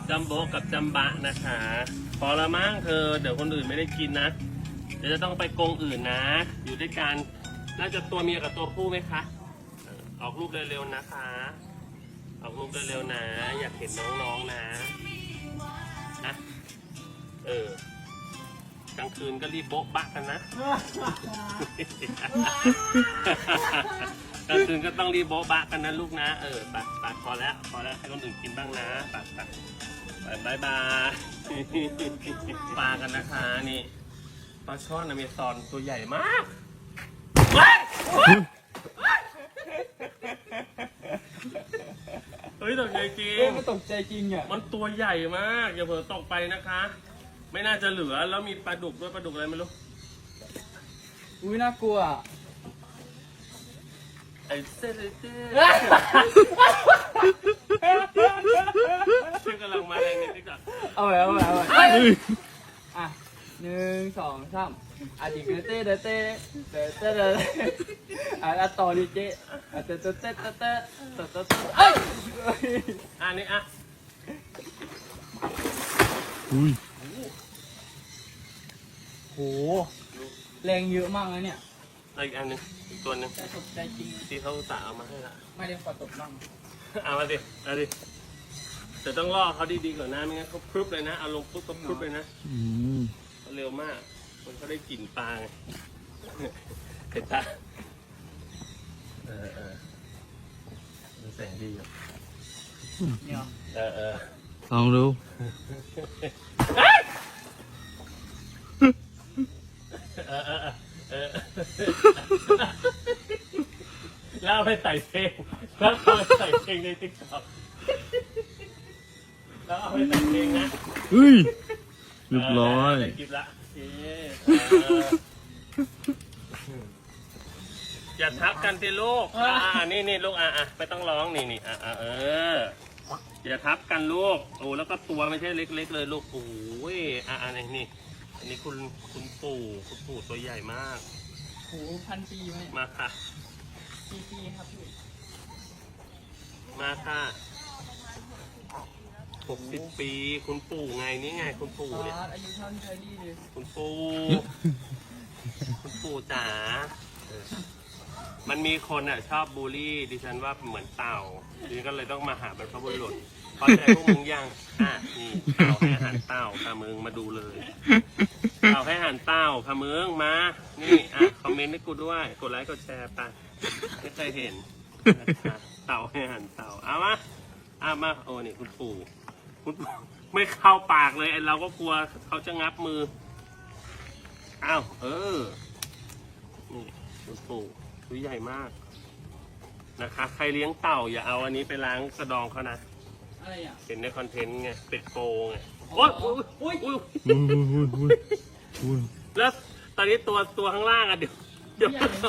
จัมโบ้กับจัมบะนะคะพอละมั้งเธอเดี๋ยวคนอื่นไม่ได้กินนะเดี๋ยวจะต้องไปกรงอื่นนะอยู่ด้วยกันน่าจะตัวเมียกับตัวผู้ไหมคะออกลูกเร็วๆนะคะออกลูกเร็วๆนะอยากเห็นน้องๆนะกลางคืนก็รีบโบ๊ะบะกันนะกลางคืนก็ต้องรีบโบ๊ะบะกันนะลูกนะไปพอแล้วให้คนอื่นกินบ้างนะไปบายปลากันนะคะนี่ปลาช่อนอเมซอนตัวใหญ่มากเฮ้ยตกใจจริงไม่ตกใจจริงอ่ะมันตัวใหญ่มากอย่าเผลอตกไปนะคะไม่น่าจะเหลือแล้วมีปลาดุกด้วยปลาดุกอะไรไม่รู้อุ้ยน่ากลัวไอ้เซ่ชื่อกำลังมาแรงนิดนึงก่อนเอาไปอ่ะ1 2 3อาดิเต้อ่ะต่อดิเจ๊เต้อันนี้อ่ะอุ้ยโหแรงเยอะมากนะเนี่ยอีกอันนึงอีกตัวนึงตกใจจริงที่เขาตาเอามาให้ละไม่ได้ขอตกบ้างเอามาดิแต่ต้องล่อเขาดีๆก่อนนะไม่งั้นเขาพรึบเลยนะเอาลงปุ๊บก็พรึบเลยนะเร็วมากมันก็ได้กลิ่นปลาเห็นปะแสงดีอ่ะเนี่ยลองดูแล้วไปใส่เพลงแล้วเอาไปใส่เพลงในติ๊กต็อกแล้วเอาไปใส่เพลงนะเฮ้ยเรียบร้อยกินละอย่าทับกันสิลูกนี่ลูกไม่ต้องร้องนี่อย่าทับกันลูกโอ้แล้วก็ตัวไม่ใช่เล็กๆเลยลูกโอ้ยนี่อันนี้คุณปู่ตัวใหญ่มากโห1,000 ปีไหมมาค่ะปีครับพี่มาค่ะ60 ปีคุณปู่ไงนี่ไงคุณปู่เนี่ยอายุเท่าเธอดีเลยคุณปู่จ๋ามันมีคนชอบบูลลี่ดิฉันว่าเหมือนเต่าดิฉันก็เลยต้องมาหาบรรพบุรุษพอใจพวกมึงยังนี่เต่าให้อาหารเต่าค่ะมึงมาดูเลยเต่าให้อาหารเต่าค่ะมึงมานี่คอมเมนต์ให้กูด้วยกดไลค์กดแชร์ไปไม่เคยเห็นเต่าให้อาหารเต่าเอามาโอ้นี่คุณปู่ไม่เข้าปากเลยเราก็กลัวเขาจะงับมือนี่คุณปู่ตัวใหญ่มากนะคะใครเลี้ยงเต่าอย่าเอาอันนี้ไปล้างกระดองเขานะอะไรอ่ะเห็นในคอนเทนต์ไงเป็ดโกไงแล้วตอนนี้ตัวข้างล่างเดี๋ยว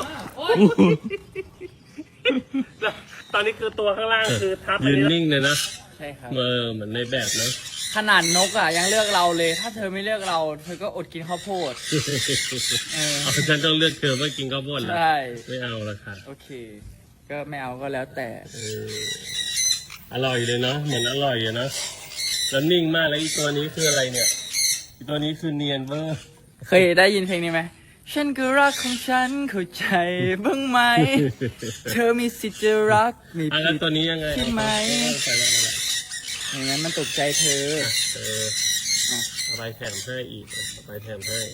ตอนนี้คือตัวข้างล่างคือทับยืนนิ่งเลยนะใช่ครับเหมือนในแบบนะขนาดนกยังเลือกเราเลยถ้าเธอไม่เลือกเราเธอก็อดกินข้าวโพดฉันต้องเลือกเธอเพื่อกินข้าวโพดเหรอใช่ไม่เอาละค่ะโอเคก็ไม่เอาก็แล้วแต่อร่อยเลยเนาะเหมือนอร่อยอยู่นะแล้วนิ่งมากแล้วอีตัวนี้คืออะไรเนี่ยอีตัวนี้คือเนียนเวอร์เคยได้ยินเพลงนี้ไหมฉันก็รักของฉันเข้าใจบ้างไหมเธอมีสิทธิ์จะรักมีผิดตัวนี้ยังไงใช่ไหมอย่างนั้นมันตกใจเธอไปแถมให้อีกไปแถมให้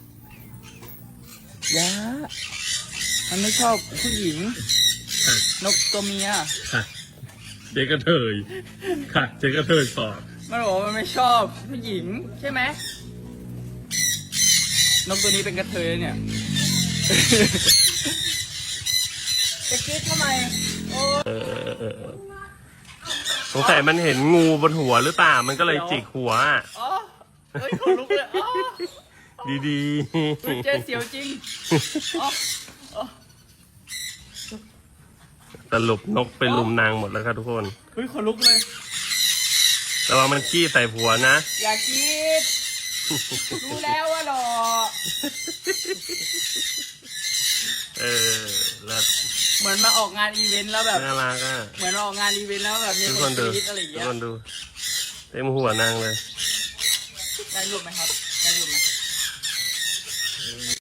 ยะมันไม่ชอบผู้หญิงนกตัวเมียค่ะเด็กกระเทยค่ะเด็กกระเทยสอบมันบอกว่ามันไม่ชอบผู้หญิงใช่ไหมนกตัวนี้เป็นกระเทยเนี่ยจะคิดทำไมสงสัยมันเห็นงูบนหัวหรือเปล่ามันก็เลยจิกหัวเฮ้ยขนลุกเลยดีๆเจ๊เสียวจริงสรุปนกเป็นลุมนางหมดแล้วครับทุกคนเฮ้ยขนลุกเลยแต่ว่ามันขี้ใส่ผัวนะอย่าคิดรู้แล้วว่าหรอแล้วเหมือนมาออกงานอีเวนต์แล้วแบบน่ารักเหมือนออกงานอีเวนต์แล้วแบบมีคนกรี๊ดอะไรอย่างเงี้ยทุกคนดูเต็มหัวนางเลยได้รูปไหมครับ ได้รูปไหม